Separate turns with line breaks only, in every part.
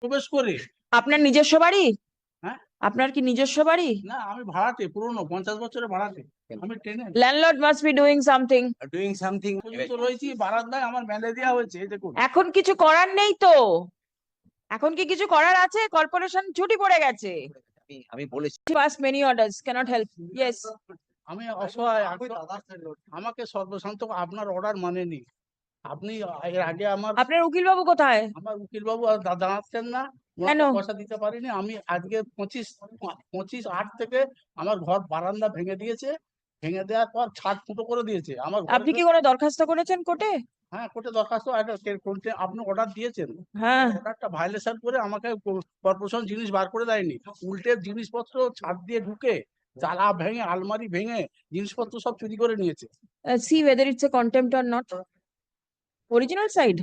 প্রবেশ করে।
আপনার নিজস্ব বাড়ি?
হ্যাঁ,
আপনার কি নিজস্ব বাড়ি?
না আমি ভাড়াটে, পুরনো 50 বছরের ভাড়াটে। আমি tenant.
Landlord must be doing something.
doing something.
পর্যন্ত রয়েছি, বারান্দায় আমার মেলে দেওয়া হয়েছে, এই দেখুন।
এখন কিছু করার নেই তো? এখন কি কিছু করার আছে? কর্পোরেশন ছুটি পড়ে গেছে।
আমি বলেছি
pass many orders, cannot help. Yes.
আমি অসহায়, আমাকে সর্বশান্ত আপনার অর্ডার মানেনি। আপনি এর আগে
আপনার উকিল বাবু কোথায়?
আমার উকিল বাবু আর দাঁড়াচ্ছেন না,
কেন?
ওনাকে পয়সা দিতে পারিনি। আমি আজকে 25/8 থেকে আমার ঘর বারান্দা ভেঙে দিয়েছে। ভেঙে দেওয়ার পর ছাদ ফুটো করে দিয়েছে আমার ঘরে।
আপনি কি কোনো দরখাস্ত করেছেন কোর্টে?
হ্যাঁ, কোর্টে দরখাস্ত, কোর্টে আপনি অর্ডার দিয়েছেন।
হ্যাঁ।
অর্ডারটা ভায়োলেশন করে আমাকে কর্পোরেশন জিনিস বার করে দেয়নি। উল্টে জিনিসপত্র ছাদ দিয়ে ঢুকে তালা ভেঙে, আলমারি ভেঙে জিনিসপত্র সব চুরি করে নিয়েছে।
See whether it's a contempt or not. Original side.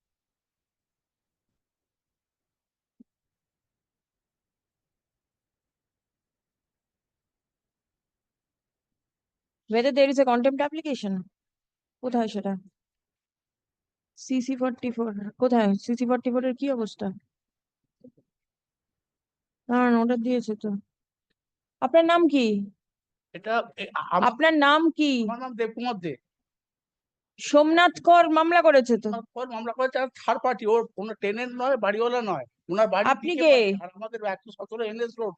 Whether there is a contempt application. কোথায় সেটা? CC44 কোথায়? CC44 এর কি অবস্থা? না, অর্ডার দিয়েছে তো। আপনার নাম কি?
এটা
আপনার নাম কি?
আমার নাম দেবকুমার দে।
সোমনাথ কর মামলা করেছে তো।
ওর মামলা করেছে থার্ড পার্টি, ওর কোনো টেনেন্ট নয়, বাড়িওয়ালা নয়। ওনার বাড়ি
আপনি
দিকে
কে?
বাড়ি, আর আমাদের 117 NS রোড।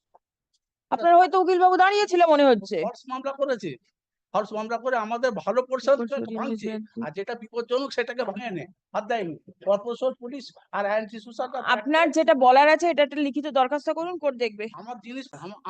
আপনার হয়তো উকিল বাবু দাঁড়িয়েছিল মনে হচ্ছে।
ফর্স মামলা করেছে, ফর্স মামলা করে আমাদের ভালো পোর্শন ভাঙছে, আর যেটা বিপজ্জনক সেটাকে ভাঙে নেয়, হাত দেয়নি। কর্পোরেশন, পুলিশ আর অ্যান্টি সোশ্যাল।
আপনার যেটা বলার আছে এটা একটা লিখিত দরখাস্ত করুন, কোর্ট দেখবে।
আমার জিনিস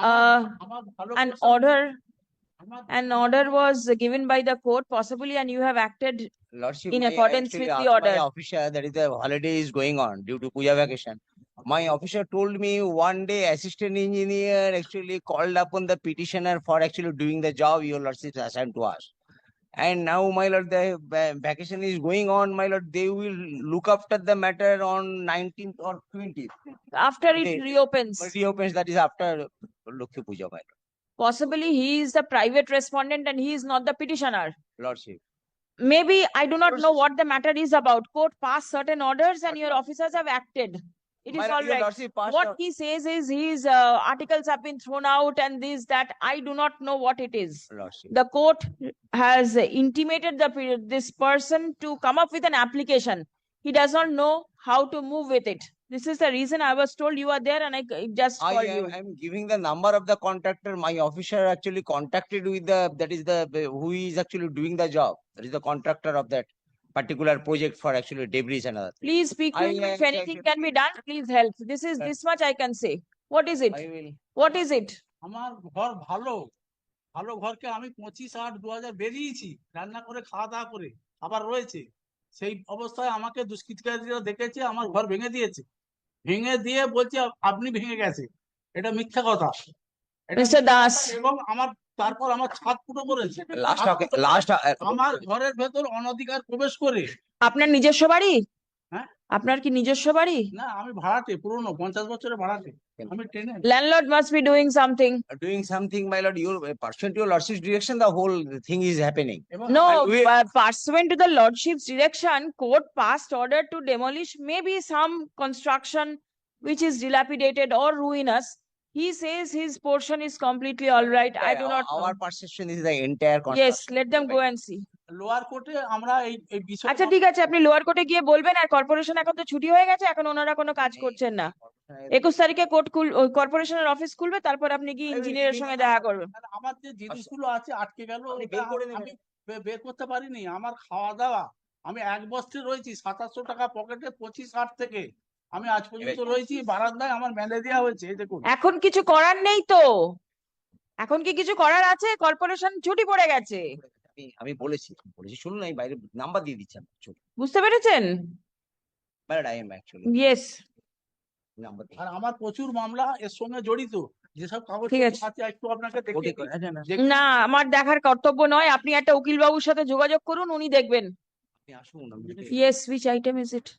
আমার ভালো
An
portion-
order
আমার
an order was given by the court possibly and you have acted
Lordship,
in
I
accordance
actually
with the
asked
order.
my officer that is the holiday is going on due to Puja vacation. My officer told me one day assistant engineer actually called upon the petitioner for actually doing the job your lordship assigned to us. And now, my lord, the vacation is going on, my lord. They will look after the matter on 19th or 20th.
After it
They-
reopens.
Reopens, that is after Lakshmi Puja, my lord.
Possibly he is the private respondent and he is not the petitioner.
Lordship.
Maybe I do not know what the matter is about. Court passed certain orders and your officers have acted. It
My
is
lord,
all
your
right.
lordship passed
What
out-
he says is his articles have been thrown out and this, that. I do not know what it is.
Lordship.
The court has intimated this person to come up with an application. He does not know how to move with it. This is the reason I was told you are there and I just
I
called you.
am giving the number of the contractor. My officer actually contacted with that is the who is actually doing the job. That is the contractor of that particular project for actually debris and other things.
Please speak to him. If anything can be done, please help. This much I can say. What is it?
I will.
What is it?
আমার ঘর ভালো, ভালো ঘরকে আমি 25/8/2000 বেরিয়েছি, রান্না করে খাওয়া দাওয়া করে আবার রয়েছে। সেই অবস্থায় আমাকে দুষ্কৃতকারীরা দেখেছে, আমার ঘর ভেঙে দিয়েছে। ভেঙে দিয়ে বলছে আপনি ভেঙে গেছে। এটা মিথ্যা কথা। এটা
Mr. Das.
এবং তারপর আমার ছাদ ফুটো করেছে।
Last
আমার ঘরের ভেতর অনধিকার প্রবেশ করে।
আপনার নিজস্ব বাড়ি?
হ্যাঁ।
আপনার কি নিজস্ব বাড়ি?
না আমি ভাড়াটে, পুরনো 50 বছরের ভাড়াটে। আমি tenant.
Landlord must be doing something.
Doing something, my lord. Your pursuant to your lordship's direction, the whole thing is happening.
No, pursuant to the lordship's direction, court passed order to demolish maybe some construction which is dilapidated or ruinous. He says his portion is completely all right. I do not know.
Our perception is the entire
Yes,
construction.
let them go and see.
Lower কোর্টে আমরা এই বিষয়ে
আচ্ছা ঠিক আছে, আপনি lower কোর্টে গিয়ে বলবেন। আর কর্পোরেশন এখন তো ছুটি হয়ে গেছে, এখন ওনারা কোনো কাজ করছেন না। 21 তারিখে কর্পোরেশনের অফিস খুলবে, তারপর আপনি কি ইঞ্জিনিয়ারের সঙ্গে দেখা করবেন।
আমার যে জিনিসগুলো আছে আটকে গেল,
আপনি বের করে নেবেন।
আমি বের করতে পারিনি। আমার খাওয়া দাওয়া, আমি এক বস্তি রয়েছি, 2700 টাকা পকেটে 25/8 থেকে আমি আজ পর্যন্ত রয়েছি, বারান্দায় আমার মেলে দেওয়া হয়েছে, এই দেখুন।
এখন কিছু করার নেই তো? এখন কি কিছু করার আছে? কর্পোরেশন ছুটি পড়ে গেছে।
আমি বলেছি শুনুন, আমি বাইরে নাম্বার দিয়ে দিচ্ছি।
বুঝতে পেরেছেন?
But I am actually
yes.
number.
আর আমার প্রচুর মামলা এর সঙ্গে জড়িত, যেসব কাগজ
ঠিক আছে।
আছে একটু আপনাকে দেখিয়ে দিই।
না, আমার দেখার কর্তব্য নয়। আপনি একটা উকিল বাবুর সাথে যোগাযোগ করুন, উনি দেখবেন।
আপনি আসুন।
Yes, which item is it?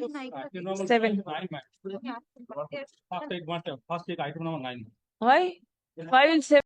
7.
First take item number 9.
Why? File 7.